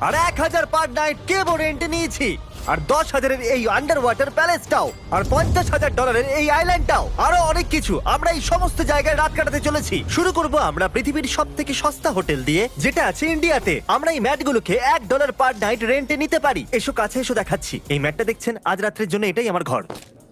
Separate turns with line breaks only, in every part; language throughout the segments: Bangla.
আর 1000 পার নাইট কেবো রেন্টে নিয়েছি, আর 10,000-এর এই আন্ডার ওয়াটার প্যালেসটাও, আর $50,000 এই আইল্যান্ডটাও, আরো অনেক কিছু। আমরা এই সমস্ত জায়গায় রাত কাটাতে চলেছি। শুরু করব আমরা পৃথিবীর সব থেকে সস্তা হোটেল দিয়ে, যেটা আছে ইন্ডিয়াতে। আমরা এই ম্যাটগুলোকে $1 পার নাইট রেন্টে নিতে পারি। এসো কাছে এসো, দেখাচ্ছি। এই ম্যাটটা দেখছেন, আজ রাত্রের জন্য এটাই আমার ঘর।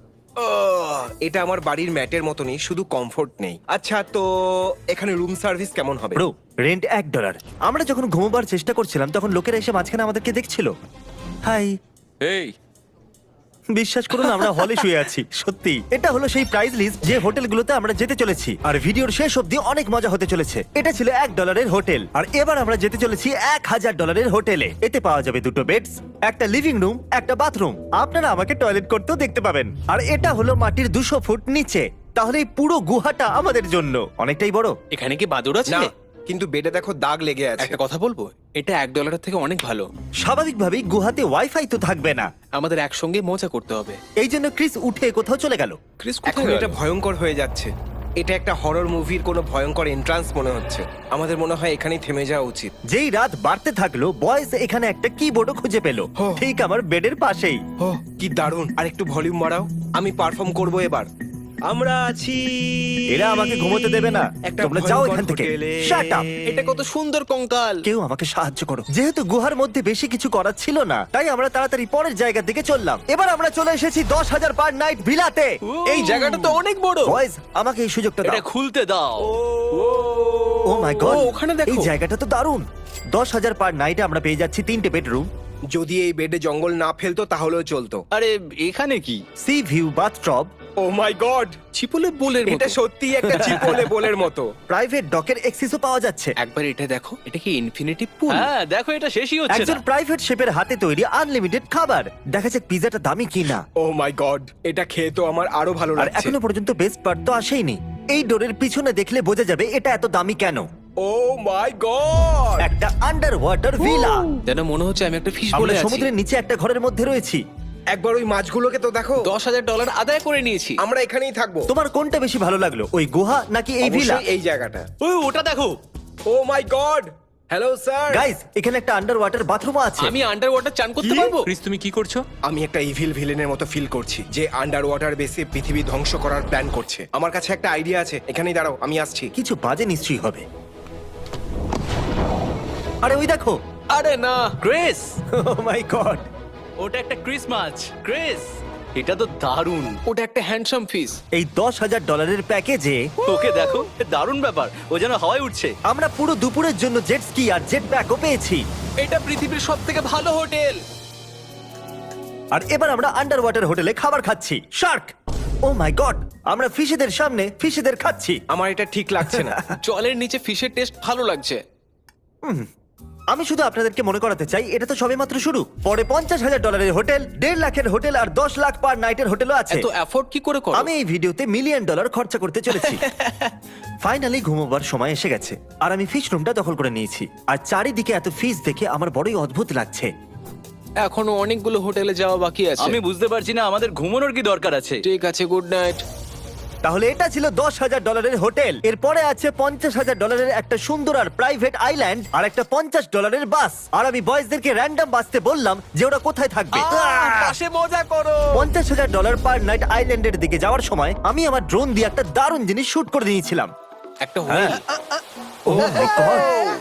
এটা আমার বাড়ির ম্যাটের মতনই, শুধু কমফোর্ট নেই। আচ্ছা, তো এখানে রুম সার্ভিস কেমন হবে?
Bro, rent $1। আমরা যখন ঘুমোবার চেষ্টা করছিলাম তখন লোকেরা এসে মাঝখানে আমাদেরকে দেখছিল। হাই,
এই
বিশ্বাস করুন আমরা হলে শুয়ে আছি। সত্যি এটা হলো সেই প্রাইস লিস্ট যে হোটেলগুলোতে আমরা যেতে চলেছি, আর ভিডিওর শেষ অবধি অনেক মজা হতে চলেছে। এটা ছিল $1 হোটেল, আর এবার আমরা যেতে চলেছি $1,000 হোটেলে। এতে পাওয়া যাবে 2টো বেডস, একটা লিভিং রুম, একটা বাথরুম। আপনারা আমাকে টয়লেট করতেও দেখতে পাবেন। আর এটা হলো মাটির 200 ফুট নিচে। তাহলে এই পুরো গুহাটা আমাদের জন্য অনেকটাই বড়।
এখানে কি বাদুড় আছে?
না, কিন্তু বেডে দেখো দাগ লেগে আছে।
একটা কথা বলবো, এটা $1 থেকে অনেক ভালো।
স্বাভাবিকভাবেই গুহাতে ওয়াইফাই তো থাকবে না,
আমাদের একসঙ্গে মজা করতে হবে।
এই জন্য ক্রিস উঠে কোথাও চলে গেল।
ক্রিস
এখন
কোথায়
এটা
গেল?
ভয়ঙ্কর হয়ে যাচ্ছে। এটা একটা হরর মুভির কোনো ভয়ঙ্কর এন্ট্রান্স মনে হচ্ছে। আমাদের মনে হয় এখানেই থেমে যাওয়া উচিত।
যেই রাত বাড়তে থাকলো, বয়েস এখানে একটা কিবোর্ডও খুঁজে পেল, ঠিক আমার বেডের পাশেই।
ও কি দারুণ! আর একটু ভলিউম বাড়াও, আমি পারফর্ম করব এবার। আমরা আছি,
এরা আমাকে ঘুমোতে দেবে না।
একটা
তোমরা যাও
ভয়ঙ্কর
এখান থেকে।
হোটেলে।
Shut up!
এটা কত সুন্দর কঙ্কাল।
কেউ আমাকে সাহায্য করো। যেহেতু গুহার মধ্যে বেশি কিছু করার ছিল না, তাই আমরা তাড়াতাড়ি পরের জায়গার দিকে চললাম। এবার আমরা চলে এসেছি 10,000 পার নাইট ভিলাতে।
এই জায়গাটা তো অনেক বড়।
বয়েজ, আমাকে এই সুযোগটা
এটা
দাও।
খুলতে দাও।
ও মাই গড,
ও, ওখানে দেখো।
এই জায়গাটা তো দারুণ। 10,000 পার নাইটে আমরা পেয়ে যাচ্ছি 3টে বেডরুম,
যদি এই বেডে জঙ্গল না ফেলতো তাহলেও চলতো।
আরে এখানে কি?
Sea view bathtub,
oh my God,
চিপলে বোলের মতো।
এটা সত্যি একটা চিপোলে বোলের মতো।
প্রাইভেট ডকের এক্সেসও পাওয়া যাচ্ছে।
একবার এটা দেখো, এটা কি ইনফিনিটি পুল?
হ্যাঁ দেখো, এটা শেষই হচ্ছে
একজন
না।
প্রাইভেট শেফের হাতে তৈরি আনলিমিটেড খাবার। দেখা যাক পিজাটা দামি কিনা।
ও মাই গড, এটা খেয়ে তো আমার আরো ভালো
আর
লাগছে।
এখনো পর্যন্ত বেস্ট পার্ট তো আসেইনি। এই ডোরের পিছনে দেখলে বোঝা যাবে এটা এত দামি কেন।
ও মাই গড,
একটা আন্ডার ওয়াটার ভিলা।
যেন মনে হচ্ছে আমি একটা ফিশ
আমরা
বলে আছি।
সমুদ্রের নিচে একটা ঘরের মধ্যে রয়েছি।
একবার ওই মাছগুলোকে তো দেখো।
$10,000 আদায় করে নিয়েছি।
আমরা এখানেই থাকবো।
তোমার কোনটা বেশি ভালো লাগলো, ওই গুহা নাকি এই ভিলা?
অবশ্যই এই জায়গাটা।
ওই ওটা দেখো।
Oh my God, hello sir.
Guys, এখানে একটা আন্ডার ওয়াটার বাথরুম আছে।
আমি আন্ডার ওয়াটার চান করতে পারবো?
ক্রিস তুমি কি করছো?
আমি একটা ইভিল ভিলেনের মতো ফিল করছি, যে আন্ডার ওয়াটার বেসে পৃথিবী ধ্বংস করার প্ল্যান করছে। আমার কাছে একটা আইডিয়া আছে, এখানেই দাঁড়াও, আমি আসছি।
কিছু বাজে নিশ্চয়ই হবে। আরে ওই দেখো।
আরে না,
ক্রিস,
ও মাই গড,
ওটা একটা ক্রিসমাস। ক্রিস, এটা তো দারুণ।
ওটা একটা হ্যান্ডসাম ফিশ।
এই $10,000 প্যাকেজে
ওকে দেখো, এ দারুণ ব্যাপার। ও যেন হাওয়ায় উঠছে।
আমরা পুরো দুপুরের জন্য জেট স্কি আর জেট প্যাকও পেয়েছি।
এটা পৃথিবীর সবথেকে ভালো হোটেল।
আর এবার আমরা আন্ডার ওয়াটার হোটেলে খাবার খাচ্ছি। শার্ক, ও মাই গড, আমরা ফিশেদের সামনে ফিশেদের খাচ্ছি।
আমার এটা ঠিক লাগছে না।
জলের নিচে ফিশের টেস্ট ভালো লাগছে।
আমি শুধু আপনাদেরকে মনে করাতে চাই, এটা তো সবেমাত্র শুরু। পরে $50,000 হোটেল, 1.5 লাখের হোটেল আর 10 লাখ পার নাইটের হোটেলও আছে।
এত অ্যাফোর্ড কি করে করো?
আমি এই ভিডিওতে $1 মিলিয়ন খরচা করতে চলেছি। ফাইনালি ঘুমোবার সময় এসে গেছে, আর আমি ফিশ রুমটা দখল করে নিয়েছি। আর চারিদিকে এত ফিশ দেখে আমার বড়ই অদ্ভুত লাগছে।
এখনো অনেকগুলো হোটেলে যাওয়া বাকি আছে।
আমি বুঝতে পারছি না আমাদের ঘুমানোর কি দরকার আছে।
ঠিক আছে, গুড নাইট।
তাহলে এটা ছিল $10,000 হোটেল। এরপরে আছে $50,000 একটা সুন্দর আর প্রাইভেট আইল্যান্ড, আর একটা $50 বাস। আর আমি বয়েজদেরকে র্যান্ডম বাসতে বললাম যে ওরা কোথায় থাকবে।
পাশে মজা করো।
$50,000 পার নাইট আইল্যান্ডের দিকে যাওয়ার সময় আমি আমার ড্রোন দিয়ে একটা দারুণ জিনিস শুট করে নিয়েছিলাম।
একটা হোটেল।
Oh my God!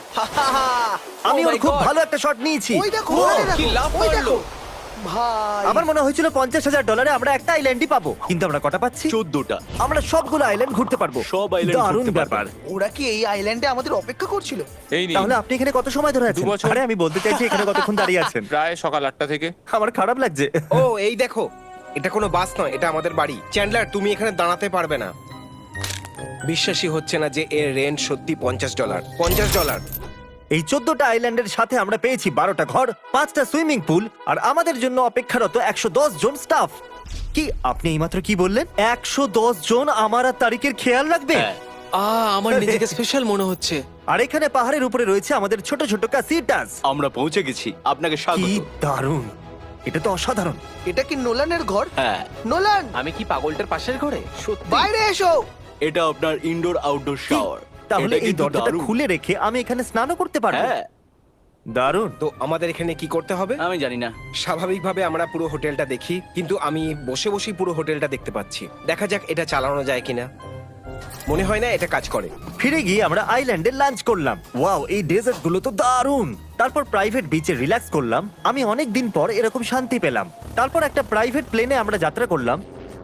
আমি
Oh
ওর
my
খুব
God!
ভালো একটা শট নিয়েছি।
ওই দেখো,
ও,
ওই দেখো,
কি লাভ
ওই
মারলো।
দেখো। ভাই,
আমার মনে হয়েছিল $50,000 আমরা একটা আইল্যান্ডই পাবো, কিন্তু আমরা কটা পাচ্ছি?
14টা।
আমরা সবগুলো আইল্যান্ড ঘুরতে পারবো।
সব island
দারুণ
ঘুরতে পারবো।
ব্যাপার।
ওরা কি এই আইল্যান্ডে আমাদের অপেক্ষা করছিল?
এই নিন
তাহলে আপনি এখানে কত সময় ধরে আছেন?
2 বছর।
আরে আমি বলতে চাইছি এখানে কতক্ষণ দাঁড়িয়ে আছেন।
প্রায় সকাল 8টা থেকে।
আমার খারাপ লাগছে।
ও এই দেখো, এটা কোনো বাস নয়, এটা আমাদের বাড়ি। চ্যান্ডলার, তুমি এখানে দাঁড়াতে পারবে না। বিশ্বাসই হচ্ছে না যে এর রেন্ট সত্যি $50। $50।
এই 14টা আইল্যান্ডের সাথে আমরা পেয়েছি 12টা ঘর, 5টা সুইমিং পুল, আর আমাদের জন্য অপেক্ষারত 110 জন স্টাফ। কি আপনি এইমাত্র কি বললেন? 110 জন আমার আর তারিখের খেয়াল রাখবে?
হ্যাঁ।
আমার নিজেকে স্পেশাল মনে হচ্ছে।
আর এখানে পাহাড়ের উপরে রয়েছে আমাদের ছোট ছোট ক্যাসিটাস।
আমরা পৌঁছে গেছি, আপনাকে
কি
স্বাগত।
দারুণ, এটা তো অসাধারণ।
এটা কি নোলানের ঘর?
হ্যাঁ,
নোলান,
আমি কি পাগলটার পাশের ঘরে? সত্যি?
বাইরে এসো।
এটা আপনার ইনডোর আউটডোর শাওয়ার।
তাহলে এই দরজাটা খুলে রেখে আমি এখানে স্নানও করতে পারবো?
হ্যাঁ,
দারুণ।
তো আমাদের এখানে কি করতে হবে?
আমি জানি না।
স্বাভাবিকভাবে আমরা পুরো হোটেলটা দেখি, কিন্তু আমি বসে বসেই পুরো হোটেলটা দেখতে পাচ্ছি। দেখা যাক এটা চালানো যায় কিনা। মনে হয় না এটা কাজ করে।
ফিরে গিয়ে আমরা আইল্যান্ডে লাঞ্চ করলাম। ওয়াও, এই ডেজার্ট গুলো তো দারুণ। তারপর প্রাইভেট বিচে রিল্যাক্স করলাম। আমি অনেক দিন পর এরকম শান্তি পেলাম। তারপর একটা প্রাইভেট প্লেনে আমরা যাত্রা করলাম।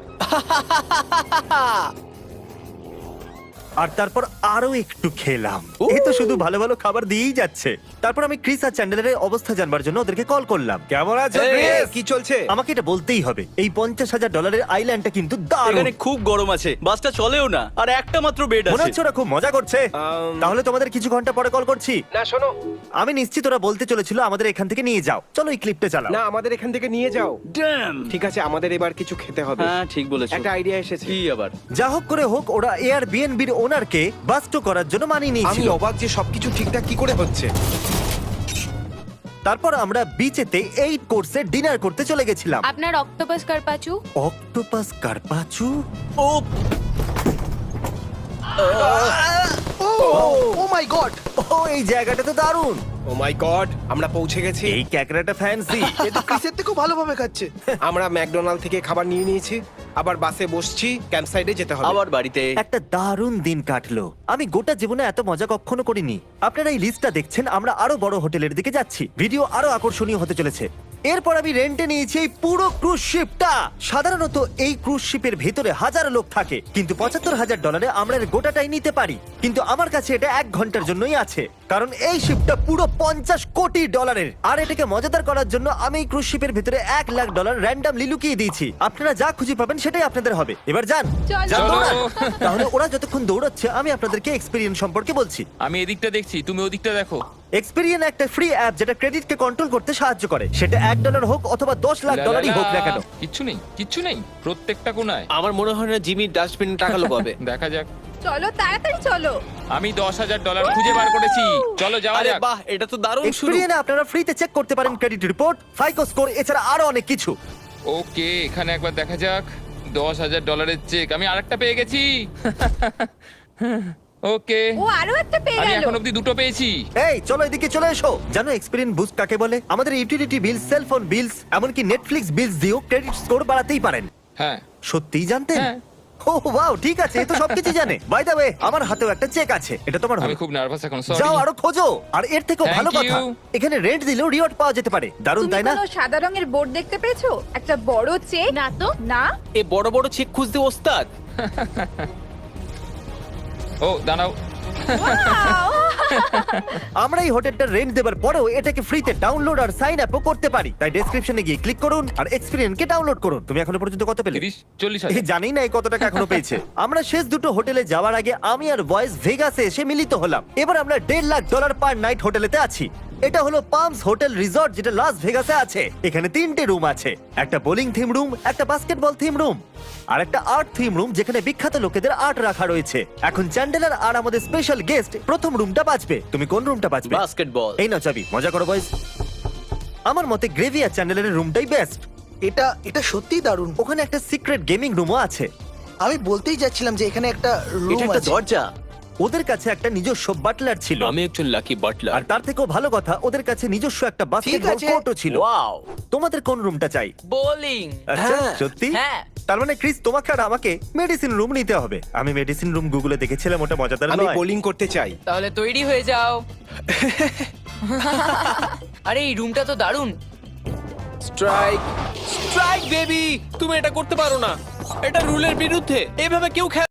আর তারপর আরো একটু খেলাম। এই তো শুধু ভালো ভালো খাবার দিয়েই যাচ্ছে। তারপর আমি ক্রিস আর চ্যান্ডেলের অবস্থা জানবার জন্য ওদেরকে কল করলাম। কেমন আছো
এই,
ক্রিস?
কি চলছে?
আমাকে এটা বলতেই হবে, এই $50,000 আইল্যান্ডটা কিন্তু দারুণ।
এখানে খুব গরম আছে, বাসটা চলেও না, আর একটা মাত্র বেড
মনে
আছে।
হচ্ছে ওরা খুব মজা করছে। তাহলে তোমাদের কিছু ঘন্টা পরে কল করছি।
না শোনো,
আমি নিশ্চিত ওরা বলতে চলেছিল আমাদের এখান থেকে নিয়ে যাও। চলো এই ক্লিপটা চালাও।
না আমাদের এখান থেকে নিয়ে যাও।
ড্যাম।
ঠিক আছে, আমাদের এবার কিছু খেতে হবে।
হ্যাঁ ঠিক বলেছো।
একটা আইডিয়া এসেছে।
কি আবার?
যা হোক করে হোক, ওরা এয়ারবিএনবির ওনারকে বাস্টো করার জন্য মানিয়ে
আমি
নিয়েছিল।
অবাক যে সবকিছু ঠিকঠাক কি করে হচ্ছে।
তারপর আমরা বিচেতে 8 কোর্সের ডিনার করতে চলে গেছিলাম।
আপনার octopus carpaccio.
Octopus carpaccio.
Oh
oh my God!
Oh, এই জায়গাটা তো দারুণ।
ও মাই গড, আমরা পৌঁছে গেছি।
এই ক্যাকড়াটা ফ্যান্সি।
এ তো ক্রিসের থেকেও ভালোভাবে খাচ্ছে।
আমরা ম্যাকডোনাল্ড থেকে খাবার নিয়ে নিয়েছি, আবার বাসে বসছি, ক্যাম্প সাইডে যেতে হবে।
আবার বাড়িতে।
একটা দারুণ দিন কাটলো। আমি গোটা জীবনে এত মজা কখনো করিনি। আপনারা এই লিস্টটা দেখছেন, আমরা আরো বড় হোটেলের দিকে যাচ্ছি। ভিডিও আরো আকর্ষণীয় হতে চলেছে। এরপর আমি রেন্টে নিয়েছি এই পুরো ক্রুজ শিপটা। সাধারণত এই ক্রুজ শিপের ভেতরে হাজারো লোক থাকে, কিন্তু $75,000 আমরা এর গোটাটাই নিতে পারি। কিন্তু আমার কাছে এটা 1 ঘন্টার জন্যই আছে, কারণ এই শিপটা পুরো $50 কোটি। আর এটাকে মজাদার করার জন্য আমি এই ক্রুজ শিপের ভেতরে $1 লাখ র্যান্ডমলি লুকিয়ে দিয়েছি। আপনারা যা খুঁজে পাবেন সেটাই আপনাদের হবে। এবার যান,
চলো।
যান দৌড়ান। তাহলে ওরা যতক্ষণ দৌড়াচ্ছে আমি আপনাদেরকে এক্সপেরিয়েন্স সম্পর্কে বলছি।
আমি এদিকটা দেখছি, তুমি ওদিকটা দেখো।
এক্সপেরিয়েন্স একটা ফ্রি অ্যাপ যেটা ক্রেডিটকে কন্ট্রোল করতে সাহায্য করে। সেটা $1 হোক অথবা $10 লাখ হোক না কেন।
কিচ্ছু নেই, কিচ্ছু নেই, প্রত্যেকটা কোনায়।
আমার মনে হয় না জিমি ডাস্টবিন টাকা লোকাবে।
দেখা যাক।
চলো তাড়াতাড়ি চলো।
আমি $10,000 খুঁজে বার করেছি। চলো যাওয়া
আরে
যাক।
বাহ, এটা তো দারুণ শুরু।
এক্সপেরিয়েন্স আপনারা ফ্রিতে চেক করতে পারেন ক্রেডিট রিপোর্ট, ফাইকো স্কোর, এছাড়া আরো অনেক কিছু।
ওকে, এখানে একবার দেখা যাক। $10,000 চেক আমি আরেকটা পেয়ে গেছি। ওকে,
ও আরো একটা পেয়ে
আমি
গেল।
এখন অব্দি 2টো পেয়েছি।
এই চলো এদিকে চলে এসো। জানো এক্সপেরিয়েন্স বুস্ট কাকে বলে? আমাদের ইউটিলিটি বিল, সেলফোন বিলস, এমনকি নেটফ্লিক্স বিলস দিয়েও ক্রেডিট স্কোর বাড়াতেই পারেন।
হ্যাঁ।
সত্যিই জানতেন?
হ্যাঁ।
ও ওয়াও, ঠিক আছে, এ তো সবকিছু জানে। বাই দ্য ওয়ে, আমার হাতেও একটা চেক আছে, এটা তোমার
আমি
হবে।
খুব নার্ভাস এখন,
যাও
সরি।
আরো খোঁজো। আর এর থেকেও
Thank
ভালো কথা,
you.
এখানে রেন্ট দিলেও রিওয়ার্ড পাওয়া যেতে পারে। দারুণ
তুমি
তাই না?
কোনো সাদা রঙের বোর্ড দেখতে পেয়েছো? একটা বড় চেক। না তো না।
এ বড় বড় চেক খুঁজতে ওস্তাদ।
ও দাঁড়াও।
Wow!
আমরা এই হোটেলটার রেন্ট দেবার পরেও এটাকে ফ্রিতে ডাউনলোড আর সাইন আপও করতে পারি। তাই ডেসক্রিপশনে গিয়ে ক্লিক করুন আর এক্সপেরিয়েন্সকে ডাউনলোড করুন। তুমি এখনো পর্যন্ত কত পেলে?
30-40
এই
হাজার।
জানি না এই কত টাকা এখনো পেয়েছে। আমরা শেষ দুটো হোটেলে যাওয়ার আগে আমি আর বয়েস ভেগাসে এসে মিলিত হলাম। এবার আমরা $1.5 লাখ পার নাইট হোটেলেতে আছি। এটা হলো পামস হোটেল রিসর্ট, যেটা লাস ভেগাসে আছে। এখানে 3টে রুম আছে, একটা বোলিং থিম রুম, একটা বাস্কেটবল থিম রুম, আর একটা আর্ট থিম রুম যেখানে বিখ্যাত লোকেদের আর্ট রাখা রয়েছে। এখন চ্যান্ডেলার আর আমাদের স্পেশাল গেস্ট প্রথম রুমটা বাঁচবে। তুমি কোন রুমটা বাঁচবে?
বাস্কেটবল।
এই নাও চাবি, মজা করো বয়েস। আমার মতে গ্রেভি আর চ্যান্ডেলারের রুমটাই বেস্ট।
এটা সত্যিই দারুণ।
ওখানে একটা সিক্রেট গেমিং রুমও আছে।
আমি বলতেই যাচ্ছিলাম যে এখানে একটা
এটা
রুম
একটা
আছে।
দরজা।
ওদের কাছে একটা নিজস্ব বাটলার ছিল,
আমি একজন লাকি বাটলার।
আর তার থেকেও ভালো কথা, ওদের কাছে নিজস্ব একটা বাস্কেটবল
আছে।
কোর্টও ছিল।
ওয়াও।
তোমাদের কোন রুমটা চাই?
বোলিং।
আচ্ছা,
হ্যাঁ।
সত্যি?
হ্যাঁ।
তার মানে ক্রিস, তোমাকে আর আমাকে মেডিসিন রুম নিতে হবে। আমি মেডিসিন রুম গুগলে দেখেছিলাম, ওটা মজাদার
আমি
নয়?
বোলিং করতে চাই।
তাহলে তৈরি হয়ে যাও। আরে এই রুমটা তো দারুণ।
Strike, strike baby. তুমি এটা করতে পারো না, এটা রুলের বিরুদ্ধে। এভাবে কেউ খেলে